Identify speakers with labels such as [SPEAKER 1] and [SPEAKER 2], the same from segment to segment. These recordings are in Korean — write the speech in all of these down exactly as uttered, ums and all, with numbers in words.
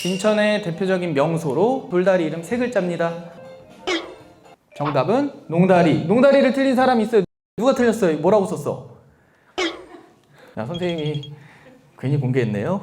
[SPEAKER 1] 진천의 대표적인 명소로 돌다리 이름 세 글자입니다. 정답은 농다리. 농다리를 틀린 사람이 있어요. 누가 틀렸어요? 뭐라고 썼어? 야, 선생님이 괜히 공개했네요.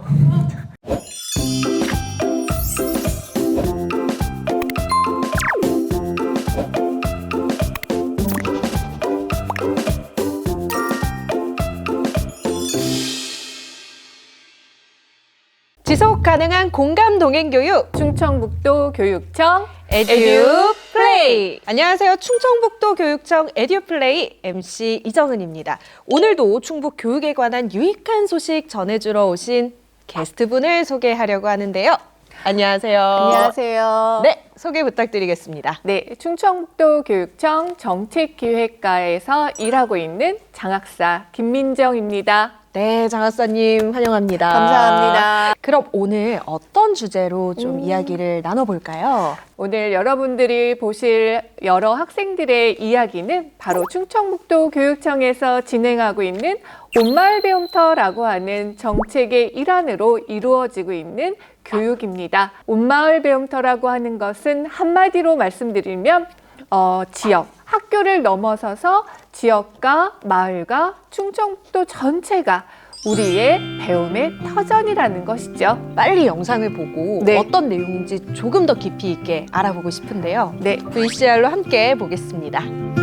[SPEAKER 2] 지속 가능한 공감 동행 교육
[SPEAKER 3] 충청북도 교육청
[SPEAKER 2] 에듀 플레이. 안녕하세요. 충청북도 교육청 에듀 플레이 엠씨 이정은입니다. 오늘도 충북 교육에 관한 유익한 소식 전해주러 오신 게스트분을 소개하려고 하는데요. 안녕하세요.
[SPEAKER 3] 안녕하세요.
[SPEAKER 2] 네, 소개 부탁드리겠습니다.
[SPEAKER 3] 네, 충청북도 교육청 정책기획과에서 일하고 있는 장학사 김민정입니다.
[SPEAKER 2] 네, 장학사님 환영합니다.
[SPEAKER 3] 감사합니다.
[SPEAKER 2] 그럼 오늘 어떤 주제로 좀
[SPEAKER 3] 음.
[SPEAKER 2] 이야기를 나눠볼까요?
[SPEAKER 3] 오늘 여러분들이 보실 여러 학생들의 이야기는 바로 충청북도 교육청에서 진행하고 있는 온마을 배움터라고 하는 정책의 일환으로 이루어지고 있는 교육입니다. 온마을 배움터라고 하는 것은 한마디로 말씀드리면 어, 지역, 학교를 넘어서서 지역과 마을과 충청북도 전체가 우리의 배움의 터전이라는 것이죠.
[SPEAKER 2] 빨리 영상을 보고
[SPEAKER 3] 네.
[SPEAKER 2] 어떤 내용인지 조금 더 깊이 있게 알아보고 싶은데요.
[SPEAKER 3] 네,
[SPEAKER 2] 브이씨알로 함께 보겠습니다.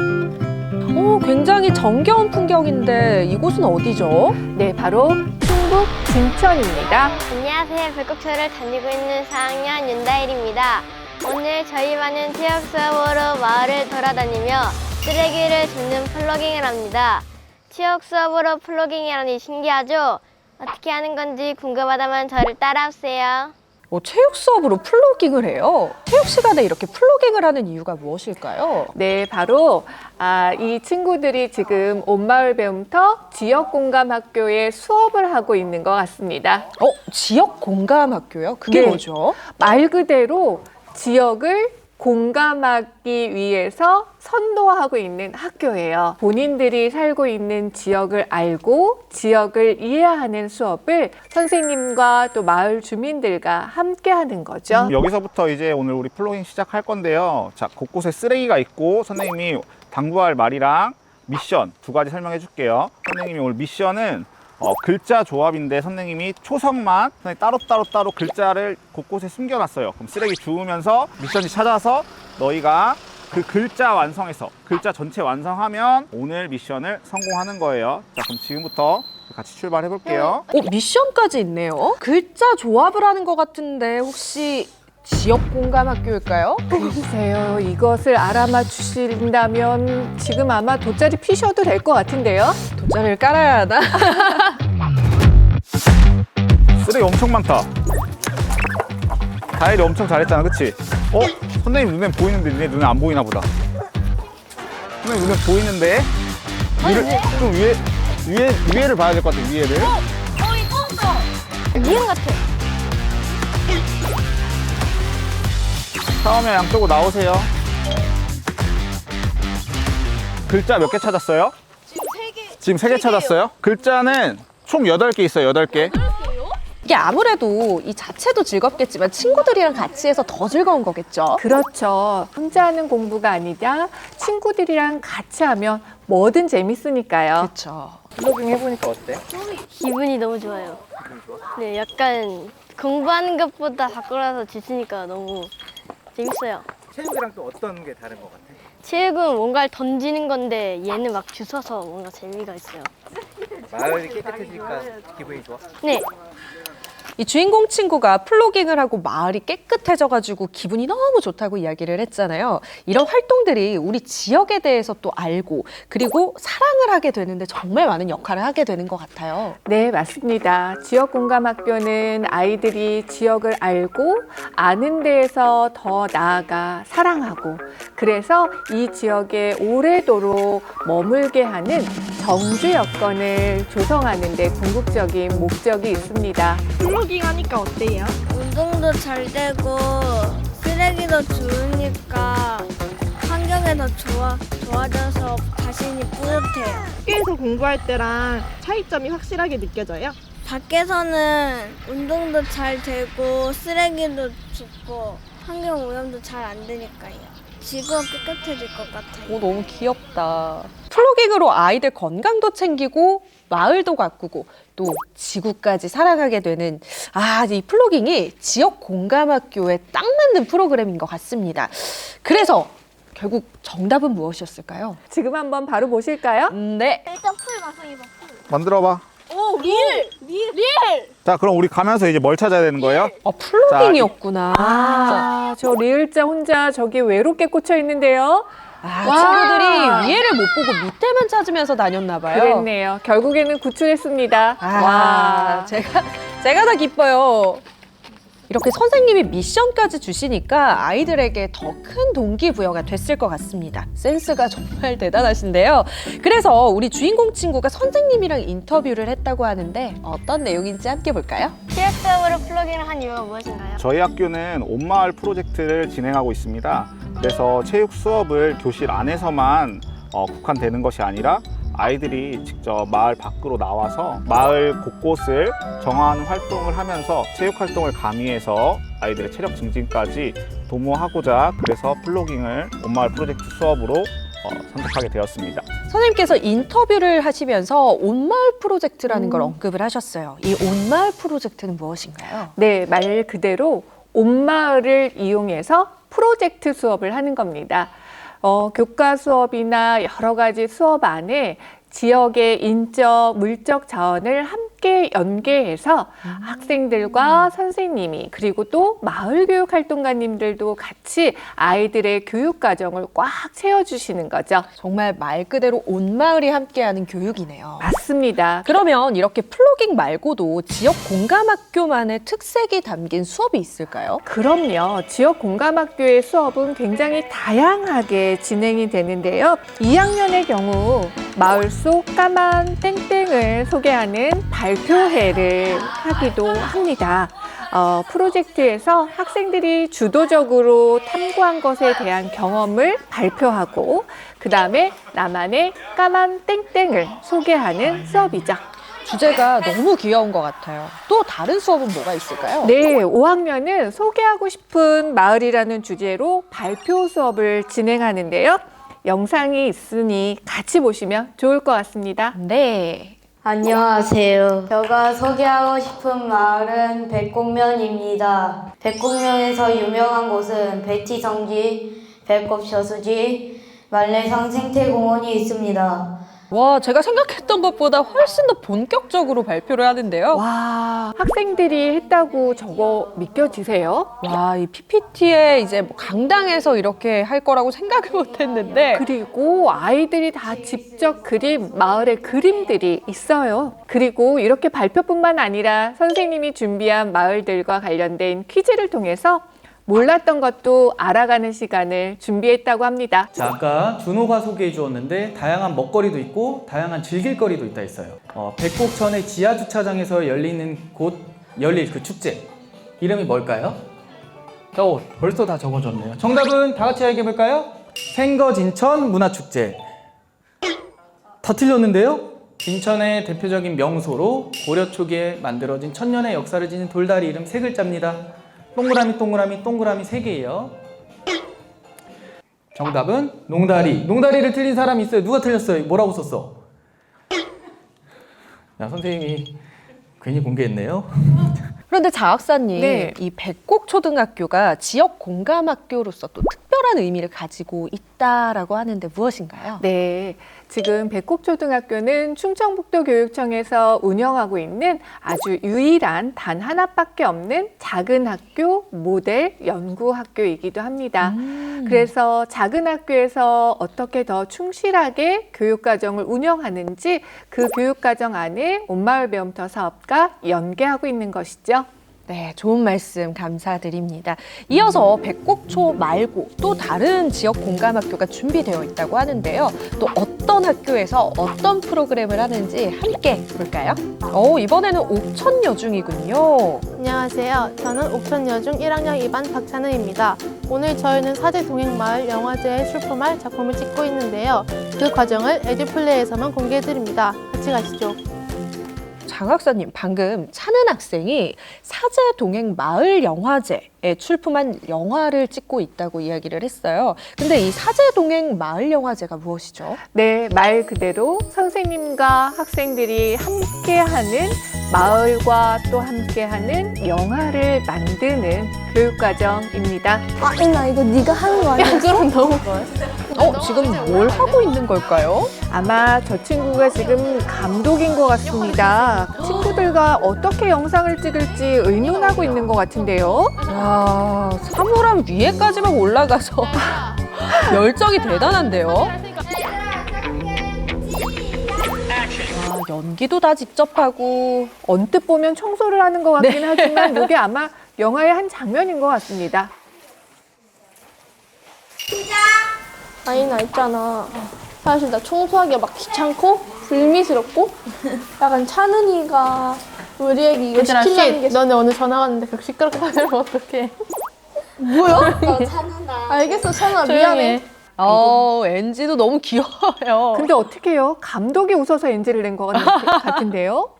[SPEAKER 2] 오, 굉장히 정겨운 풍경인데 이곳은 어디죠?
[SPEAKER 3] 네, 바로 충북 진천입니다.
[SPEAKER 4] 안녕하세요. 백곡초를 다니고 있는 사 학년 윤다일입니다. 오늘 저희 반은 체육 수업으로 마을을 돌아다니며 쓰레기를 줍는 플로깅을 합니다. 체육 수업으로 플로깅이라니 신기하죠? 어떻게 하는 건지 궁금하다면 저를 따라오세요.
[SPEAKER 2] 어, 체육 수업으로 플로깅을 해요. 체육 시간에 이렇게 플로깅을 하는 이유가 무엇일까요?
[SPEAKER 3] 네, 바로 아, 이 친구들이 지금 온마을 배움터 지역공감학교에 수업을 하고 있는 것 같습니다.
[SPEAKER 2] 어, 지역 공감 학교요? 그게
[SPEAKER 3] 네.
[SPEAKER 2] 뭐죠?
[SPEAKER 3] 말 그대로 지역을 공감하기 위해서 선도하고 있는 학교예요. 본인들이 살고 있는 지역을 알고 지역을 이해하는 수업을 선생님과 또 마을 주민들과 함께 하는 거죠.
[SPEAKER 5] 여기서부터 이제 오늘 우리 플로깅 시작할 건데요. 자, 곳곳에 쓰레기가 있고 선생님이 당부할 말이랑 미션 두 가지 설명해 줄게요. 선생님이 오늘 미션은 어, 글자 조합인데 선생님이 초성만 따로 따로 따로 글자를 곳곳에 숨겨놨어요. 그럼 쓰레기 주우면서 미션지 찾아서 너희가 그 글자 완성해서 글자 전체 완성하면 오늘 미션을 성공하는 거예요. 자, 그럼 지금부터 같이 출발해 볼게요.
[SPEAKER 2] 어, 미션까지 있네요. 글자 조합을 하는 것 같은데 혹시 지역 공감 학교일까요?
[SPEAKER 3] 글쎄요, 이것을 알아맞 주신다면 지금 아마 돗자리 피셔도 될 것 같은데요.
[SPEAKER 2] 돗자리를 깔아야 하나?
[SPEAKER 5] 쓰레기 엄청 많다. 다일이 엄청 잘했잖아, 그치? 어? 선생님 눈에 보이는데 내 눈에 안 보이나 보다. 선생님 눈에 보이는데? 위를, 좀 위에, 위에, 위에를 봐야 될 것 같아, 위에를.
[SPEAKER 4] 미음 같아.
[SPEAKER 5] 처음에 양쪽으로 나오세요. 글자 몇 개 찾았어요? 지금 세 개. 지금 세 개 찾았어요? 글자는 총 여덟 개 있어요, 여덟 개.
[SPEAKER 2] 이게 아무래도 이 자체도 즐겁겠지만 친구들이랑 같이 해서 더 즐거운 거겠죠?
[SPEAKER 3] 그렇죠. 혼자 하는 공부가 아니라 친구들이랑 같이 하면 뭐든 재밌으니까요.
[SPEAKER 2] 그렇죠.
[SPEAKER 1] 플로깅 해보니까 어때?
[SPEAKER 4] 기분이 너무 좋아요. 네, 약간 공부하는 것보다 밖으로서 지치니까 너무 재밌어요.
[SPEAKER 1] 체육이랑 또 어떤 게 다른 것 같아?
[SPEAKER 4] 체육은 뭔가를 던지는 건데 얘는 막 주워서 뭔가 재미가 있어요.
[SPEAKER 1] 마을이 깨끗해지니까 기분이 좋아?
[SPEAKER 4] 네,
[SPEAKER 2] 이 주인공 친구가 플로깅을 하고 마을이 깨끗해져가지고 기분이 너무 좋다고 이야기를 했잖아요. 이런 활동들이 우리 지역에 대해서 또 알고 그리고 사랑을 하게 되는데 정말 많은 역할을 하게 되는 것 같아요.
[SPEAKER 3] 네, 맞습니다. 지역공감학교는 아이들이 지역을 알고 아는 데에서 더 나아가 사랑하고 그래서 이 지역에 오래도록 머물게 하는 정주 여건을 조성하는 데 궁극적인 목적이 있습니다.
[SPEAKER 6] 플로깅 하니까 어때요?
[SPEAKER 4] 운동도 잘 되고 쓰레기도 주우니까 환경이 더 좋아, 좋아져서 자신이 뿌듯해요.
[SPEAKER 6] 학교에서 공부할 때랑 차이점이 확실하게 느껴져요?
[SPEAKER 7] 밖에서는 운동도 잘 되고 쓰레기도 줍고 환경 오염도 잘 안 되니까요. 지구가 깨끗해질 것 같아요.
[SPEAKER 2] 오, 너무 귀엽다. 플로깅으로 아이들 건강도 챙기고 마을도 가꾸고 또 지구까지 사랑하게 되는 아, 이 플로깅이 지역 공감학교에 딱 맞는 프로그램인 것 같습니다. 그래서 결국 정답은 무엇이었을까요?
[SPEAKER 3] 지금 한번 바로 보실까요?
[SPEAKER 2] 음, 네.
[SPEAKER 7] 일단 풀 마성이다.
[SPEAKER 5] 만들어봐.
[SPEAKER 7] 오, 릴! 릴! 릴!
[SPEAKER 5] 자, 그럼 우리 가면서 이제 뭘 찾아야 되는 거예요?
[SPEAKER 2] 어, 플로깅이었구나.
[SPEAKER 3] 아, 저 리을자 혼자 저기 외롭게 꽂혀 있는데요.
[SPEAKER 2] 아,
[SPEAKER 3] 와.
[SPEAKER 2] 친구들이 위에를 못 보고 밑에만 찾으면서 다녔나 봐요.
[SPEAKER 3] 그랬네요. 결국에는 구출했습니다.
[SPEAKER 2] 아,
[SPEAKER 3] 와,
[SPEAKER 2] 제가 제가 더 기뻐요. 이렇게 선생님이 미션까지 주시니까 아이들에게 더 큰 동기부여가 됐을 것 같습니다. 센스가 정말 대단하신데요. 그래서 우리 주인공 친구가 선생님이랑 인터뷰를 했다고 하는데 어떤 내용인지 함께 볼까요?
[SPEAKER 4] 체육 수업으로 플로깅을 한 이유가 무엇인가요?
[SPEAKER 5] 저희 학교는 온마을 프로젝트를 진행하고 있습니다. 그래서 체육 수업을 교실 안에서만 어, 국한되는 것이 아니라 아이들이 직접 마을 밖으로 나와서 마을 곳곳을 정화하는 활동을 하면서 체육 활동을 가미해서 아이들의 체력 증진까지 도모하고자 그래서 플로깅을 온마을 프로젝트 수업으로 어, 선택하게 되었습니다.
[SPEAKER 2] 선생님께서 인터뷰를 하시면서 온마을 프로젝트라는 걸 언급을 하셨어요. 이 온마을 프로젝트는 무엇인가요?
[SPEAKER 3] 네, 말 그대로 온마을을 이용해서 프로젝트 수업을 하는 겁니다. 어, 교과 수업이나 여러 가지 수업 안에 지역의 인적, 물적 자원을 함께 연계해서 음. 학생들과 선생님이 그리고 또 마을교육활동가님들도 같이 아이들의 교육 과정을 꽉 채워주시는 거죠.
[SPEAKER 2] 정말 말 그대로 온 마을이 함께하는 교육이네요.
[SPEAKER 3] 맞습니다.
[SPEAKER 2] 그러면 이렇게 플로깅 말고도 지역 공감학교만의 특색이 담긴 수업이 있을까요?
[SPEAKER 3] 그럼요. 지역 공감학교의 수업은 굉장히 다양하게 진행이 되는데요. 이 학년의 경우 마을 속 까만 땡땡을 소개하는 발표회를 하기도 합니다. 어, 프로젝트에서 학생들이 주도적으로 탐구한 것에 대한 경험을 발표하고 그 다음에 나만의 까만 땡땡을 소개하는 수업이죠.
[SPEAKER 2] 주제가 너무 귀여운 것 같아요. 또 다른 수업은 뭐가 있을까요?
[SPEAKER 3] 네, 오 학년은 소개하고 싶은 마을이라는 주제로 발표 수업을 진행하는데요. 영상이 있으니 같이 보시면 좋을 것 같습니다.
[SPEAKER 2] 네.
[SPEAKER 8] 안녕하세요. 제가 소개하고 싶은 마을은 백곡면입니다. 백곡면에서 유명한 곳은 백지성지, 백곡저수지, 말레상 생태공원이 있습니다.
[SPEAKER 2] 와, 제가 생각했던 것보다 훨씬 더 본격적으로 발표를 하는데요.
[SPEAKER 3] 와, 학생들이 했다고 저거 믿겨지세요?
[SPEAKER 2] 와, 이 피피티에 이제 뭐 강당에서 이렇게 할 거라고 생각을 못 했는데.
[SPEAKER 3] 그리고 아이들이 다 직접 그린 마을의 그림들이 있어요. 그리고 이렇게 발표뿐만 아니라 선생님이 준비한 마을들과 관련된 퀴즈를 통해서 몰랐던 것도 알아가는 시간을 준비했다고 합니다.
[SPEAKER 1] 자, 아까 준호가 소개해 주었는데 다양한 먹거리도 있고 다양한 즐길거리도 있다 했어요. 어, 백곡천의 지하주차장에서 열리는 곳 열릴 그 축제 이름이 뭘까요? 저 벌써 다 적어줬네요. 정답은 다 같이 얘기해 볼까요? 생거진천 문화축제. 다 틀렸는데요? 진천의 대표적인 명소로 고려 초기에 만들어진 천년의 역사를 지닌 돌다리 이름 세 글자입니다. 동그라미 동그라미 동그라미 세 개예요. 정답은 농다리. 농다리를 틀린 사람이 있어요. 누가 틀렸어요? 뭐라고 썼어? 야, 선생님이 괜히 공개했네요.
[SPEAKER 2] 그런데 자학사님,
[SPEAKER 3] 네.
[SPEAKER 2] 이 백곡초등학교가 지역 공감학교로서 또 특별한 의미를 가지고 있다라고 하는데 무엇인가요?
[SPEAKER 3] 네, 지금 백곡초등학교는 충청북도교육청에서 운영하고 있는 아주 유일한 단 하나밖에 없는 작은 학교 모델 연구학교이기도 합니다.
[SPEAKER 2] 음.
[SPEAKER 3] 그래서 작은 학교에서 어떻게 더 충실하게 교육과정을 운영하는지 그 교육과정 안에 온마을 배움터 사업과 연계하고 있는 것이죠.
[SPEAKER 2] 네, 좋은 말씀 감사드립니다. 이어서 백곡초 말고 또 다른 지역 공감학교가 준비되어 있다고 하는데요. 또 어떤 학교에서 어떤 프로그램을 하는지 함께 볼까요? 오, 이번에는 옥천여중이군요.
[SPEAKER 6] 안녕하세요. 저는 옥천여중 일 학년 이 반 박찬우입니다. 오늘 저희는 사제 동행마을 영화제에 출품할 작품을 찍고 있는데요. 그 과정을 에듀플레이에서만 공개해드립니다. 같이 가시죠.
[SPEAKER 2] 장 학사님, 방금 찬은 학생이 사제동행 마을 영화제에 출품한 영화를 찍고 있다고 이야기를 했어요. 근데 이 사제동행 마을 영화제가 무엇이죠?
[SPEAKER 3] 네, 말 그대로 선생님과 학생들이 함께하는 마을과 또 함께하는 영화를 만드는 교육과정입니다.
[SPEAKER 7] 아, 인나 이거 네가 하는 거 아니야?
[SPEAKER 6] 그럼 너무
[SPEAKER 2] 어, 지금 뭘 하고 있는 걸까요?
[SPEAKER 3] 아마 저 친구가 지금 감독인 것 같습니다. 친구들과 어떻게 영상을 찍을지 의논하고 있는 것 같은데요.
[SPEAKER 2] 야, 사물함 위에까지만 올라가서 열정이 대단한데요. 아, 연기도 다 직접 하고.
[SPEAKER 3] 언뜻 보면 청소를 하는 것 같긴 하지만 이게 아마 영화의 한 장면인 것 같습니다.
[SPEAKER 6] 아니 나 있잖아. 사실 나 청소하기가 막 귀찮고 불미스럽고 약간 찬은이가 우리에게 이거
[SPEAKER 7] 얘들아,
[SPEAKER 6] 시키려는 게 너네 오늘 전화 왔는데 그렇게 시끄럽게 하면 어떡해. 뭐야? 알겠어 찬아 미안해.
[SPEAKER 2] 어, 엔지도 너무 귀여워요.
[SPEAKER 3] 근데 어떻게 해요? 감독이 웃어서 엔지를 낸 것 같은데요?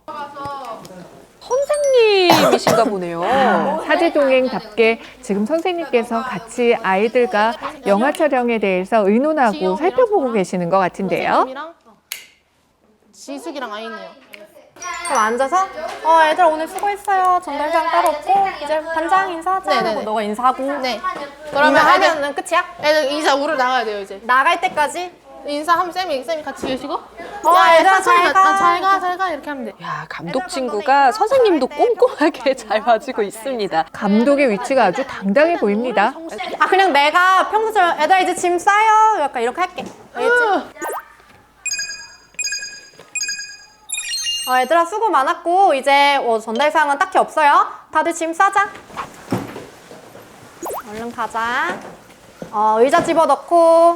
[SPEAKER 2] 선생님이신가 보네요.
[SPEAKER 3] 사제동행답게 지금 선생님께서 같이 아이들과 영화 촬영에 대해서 의논하고 살펴보고 계시는 것 같은데요.
[SPEAKER 6] 선생님이랑 지숙이랑 아이네요.
[SPEAKER 9] 그럼 앉아서 어 얘들아 오늘 수고했어요. 전달장 따로 없고 이제 반장 인사하자.
[SPEAKER 6] 네네네.
[SPEAKER 9] 하고 너가 인사하고
[SPEAKER 6] 네. 그러면 애들,
[SPEAKER 9] 인사하면은 끝이야?
[SPEAKER 6] 애들 인사 우르 나가야 돼요 이제.
[SPEAKER 9] 나갈 때까지
[SPEAKER 6] 인사하면 쌤이 쌤이 같이 계시고.
[SPEAKER 9] 어 얘들아 잘 가.
[SPEAKER 6] 잘가 잘 가 이렇게 하면 돼.
[SPEAKER 2] 야, 감독 친구가 선생님도 꼼꼼하게 잘 봐주고 있습니다.
[SPEAKER 3] 감독의 위치가 아주 당당해 보입니다.
[SPEAKER 9] 아 그냥 내가 평소처럼 애들아 이제 짐 싸요. 약간 이렇게 할게. 알겠지? 어 얘들아 수고 많았고 이제 어, 전달 사항은 딱히 없어요. 다들 짐 싸자. 얼른 가자. 어 의자 집어넣고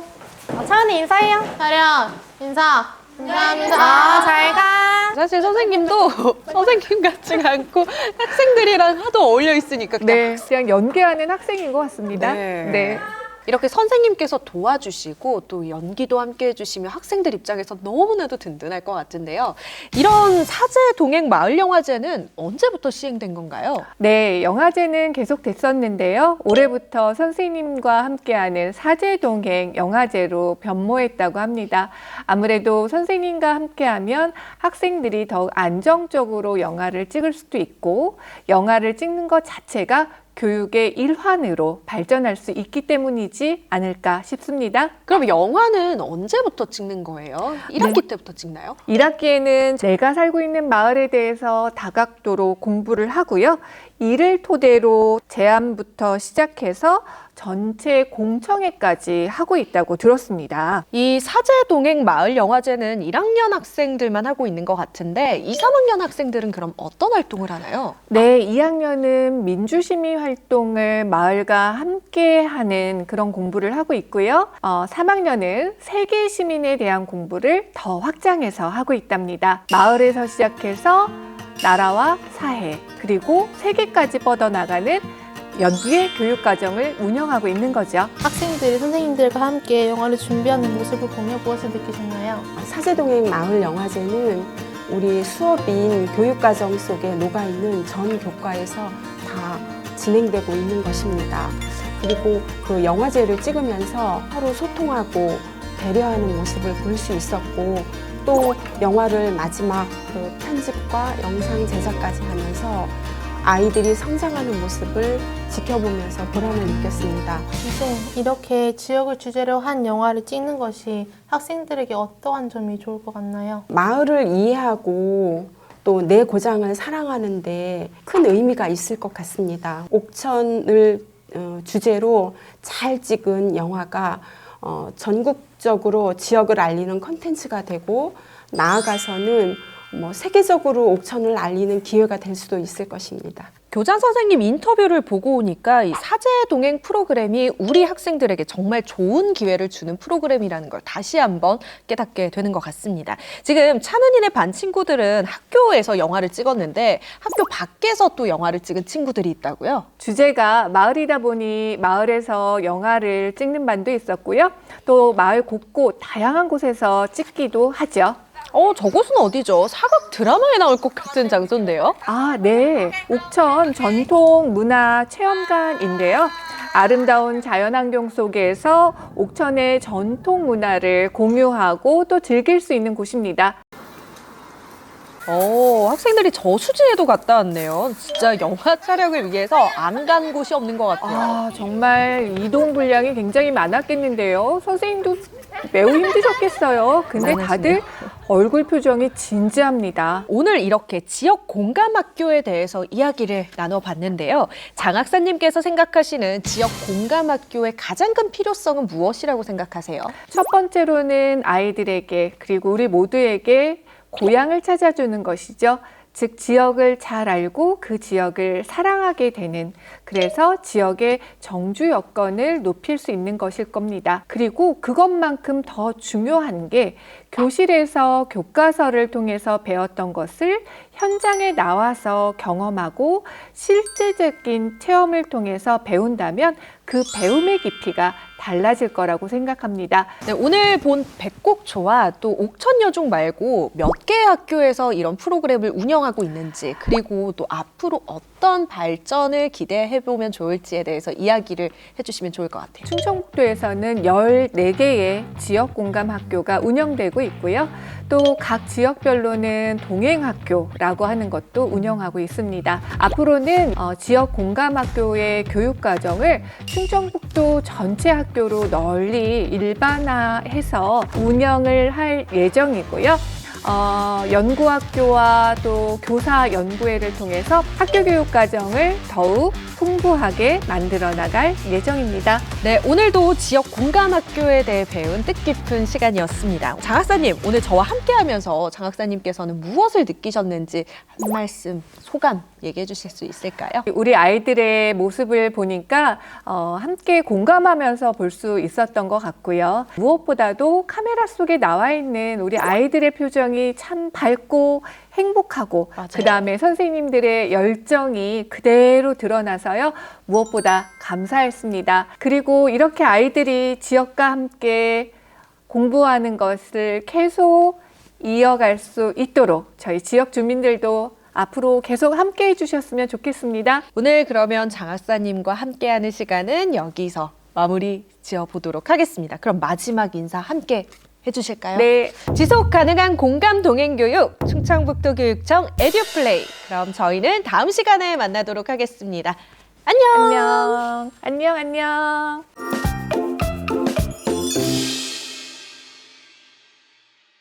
[SPEAKER 9] 어, 차은이 인사해요.
[SPEAKER 6] 차렷 인사. 감사합니다.
[SPEAKER 9] 아 잘 가.
[SPEAKER 2] 사실 선생님도 선생님 같지가 않고 학생들이랑 하도 어울려 있으니까 그냥
[SPEAKER 3] 네, 그냥 연기하는 학생인 것 같습니다.
[SPEAKER 2] 네.
[SPEAKER 3] 네.
[SPEAKER 2] 이렇게 선생님께서 도와주시고 또 연기도 함께 해주시면 학생들 입장에서 너무나도 든든할 것 같은데요. 이런 사제 동행 마을 영화제는 언제부터 시행된 건가요?
[SPEAKER 3] 네, 영화제는 계속 됐었는데요. 올해부터 선생님과 함께하는 사제동행 영화제로 변모했다고 합니다. 아무래도 선생님과 함께하면 학생들이 더욱 안정적으로 영화를 찍을 수도 있고 영화를 찍는 것 자체가 교육의 일환으로 발전할 수 있기 때문이지 않을까 싶습니다.
[SPEAKER 2] 그럼 영화는 언제부터 찍는 거예요? 일 학기 때부터 찍나요?
[SPEAKER 3] 일 학기에는 내가 살고 있는 마을에 대해서 다각도로 공부를 하고요. 이를 토대로 제안부터 시작해서 전체 공청회까지 하고 있다고 들었습니다.
[SPEAKER 2] 이 사제 동행 마을 영화제는 일 학년 학생들만 하고 있는 것 같은데 이, 삼 학년 학생들은 그럼 어떤 활동을 하나요?
[SPEAKER 3] 네, 이 학년은 민주시민 활동을 마을과 함께 하는 그런 공부를 하고 있고요. 어, 삼 학년은 세계 시민에 대한 공부를 더 확장해서 하고 있답니다. 마을에서 시작해서 나라와 사회, 그리고 세계까지 뻗어나가는 연구의 교육과정을 운영하고 있는 거죠.
[SPEAKER 6] 학생들이 선생님들과 함께 영화를 준비하는 모습을 보며 무엇을 느끼셨나요?
[SPEAKER 10] 사제동행 마을 영화제는 우리 수업인 교육과정 속에 녹아있는 전 교과에서 다 진행되고 있는 것입니다. 그리고 그 영화제를 찍으면서 서로 소통하고 배려하는 모습을 볼 수 있었고 또 영화를 마지막 그 편집과 영상 제작까지 하면서 아이들이 성장하는 모습을 지켜보면서 보람을 느꼈습니다.
[SPEAKER 6] 이제 이렇게 지역을 주제로 한 영화를 찍는 것이 학생들에게 어떠한 점이 좋을 것 같나요?
[SPEAKER 10] 마을을 이해하고 또 내 고장을 사랑하는 데 큰 의미가 있을 것 같습니다. 옥천을 어, 주제로 잘 찍은 영화가 어, 전국적으로 지역을 알리는 컨텐츠가 되고 나아가서는 뭐 세계적으로 옥천을 알리는 기회가 될 수도 있을 것입니다.
[SPEAKER 2] 교장 선생님 인터뷰를 보고 오니까 이 사제 동행 프로그램이 우리 학생들에게 정말 좋은 기회를 주는 프로그램이라는 걸 다시 한번 깨닫게 되는 것 같습니다. 지금 찬은이네 반 친구들은 학교에서 영화를 찍었는데 학교 밖에서 또 영화를 찍은 친구들이 있다고요?
[SPEAKER 3] 주제가 마을이다 보니 마을에서 영화를 찍는 반도 있었고요. 또 마을 곳곳 다양한 곳에서 찍기도 하죠.
[SPEAKER 2] 어, 저곳은 어디죠? 사극 드라마에 나올 것 같은 장소인데요.
[SPEAKER 3] 아, 네. 옥천 전통 문화 체험관인데요. 아름다운 자연환경 속에서 옥천의 전통 문화를 공유하고 또 즐길 수 있는 곳입니다.
[SPEAKER 2] 어, 학생들이 저수지에도 갔다 왔네요. 진짜 영화 촬영을 위해서 안 간 곳이 없는 것 같아요.
[SPEAKER 3] 아, 정말 이동 분량이 굉장히 많았겠는데요. 선생님도 매우 힘드셨겠어요. 근데 다들 얼굴 표정이 진지합니다.
[SPEAKER 2] 오늘 이렇게 지역 공감 학교에 대해서 이야기를 나눠봤는데요. 장 학사님께서 생각하시는 지역 공감 학교의 가장 큰 필요성은 무엇이라고 생각하세요?
[SPEAKER 3] 첫 번째로는 아이들에게 그리고 우리 모두에게 고향을 찾아주는 것이죠. 즉 지역을 잘 알고 그 지역을 사랑하게 되는, 그래서 지역의 정주 여건을 높일 수 있는 것일 겁니다. 그리고 그것만큼 더 중요한 게 교실에서 교과서를 통해서 배웠던 것을 현장에 나와서 경험하고 실제적인 체험을 통해서 배운다면 그 배움의 깊이가 달라질 거라고 생각합니다.
[SPEAKER 2] 네, 오늘 본 백곡초와 또 옥천여중 말고 몇 개의 학교에서 이런 프로그램을 운영하고 있는지, 그리고 또 앞으로 어떤 발전을 기대해 보면 좋을지에 대해서 이야기를 해주시면 좋을 것 같아요.
[SPEAKER 3] 충청북도에서는 열네 개의 지역 공감 학교가 운영되고 있고요. 또 각 지역별로는 동행학교라고 하는 것도 운영하고 있습니다. 앞으로는 어, 지역 공감 학교의 교육 과정을 충청북도 전체 학교로 널리 일반화해서 운영을 할 예정이고요. 어, 연구학교와 또 교사 연구회를 통해서 학교 교육 과정을 더욱 풍부하게 만들어 나갈 예정입니다.
[SPEAKER 2] 네, 오늘도 지역 공감 학교에 대해 배운 뜻깊은 시간이었습니다. 장 학사님, 오늘 저와 함께하면서 장 학사님께서는 무엇을 느끼셨는지 한 말씀, 소감 얘기해 주실 수 있을까요?
[SPEAKER 3] 우리 아이들의 모습을 보니까 어, 함께 공감하면서 볼 수 있었던 것 같고요. 무엇보다도 카메라 속에 나와 있는 우리 아이들의 표정이 참 밝고 행복하고, 그 다음에 선생님들의 열정이 그대로 드러나서요, 무엇보다 감사했습니다. 그리고 이렇게 아이들이 지역과 함께 공부하는 것을 계속 이어갈 수 있도록 저희 지역 주민들도 앞으로 계속 함께 해주셨으면 좋겠습니다.
[SPEAKER 2] 오늘 그러면 장 학사님과 함께하는 시간은 여기서 마무리 지어보도록 하겠습니다. 그럼 마지막 인사 함께 해주실까요?
[SPEAKER 3] 네.
[SPEAKER 2] 지속 가능한 공감 동행 교육 충청북도 교육청 에듀플레이. 그럼 저희는 다음 시간에 만나도록 하겠습니다. 안녕.
[SPEAKER 3] 안녕. 안녕. 안녕.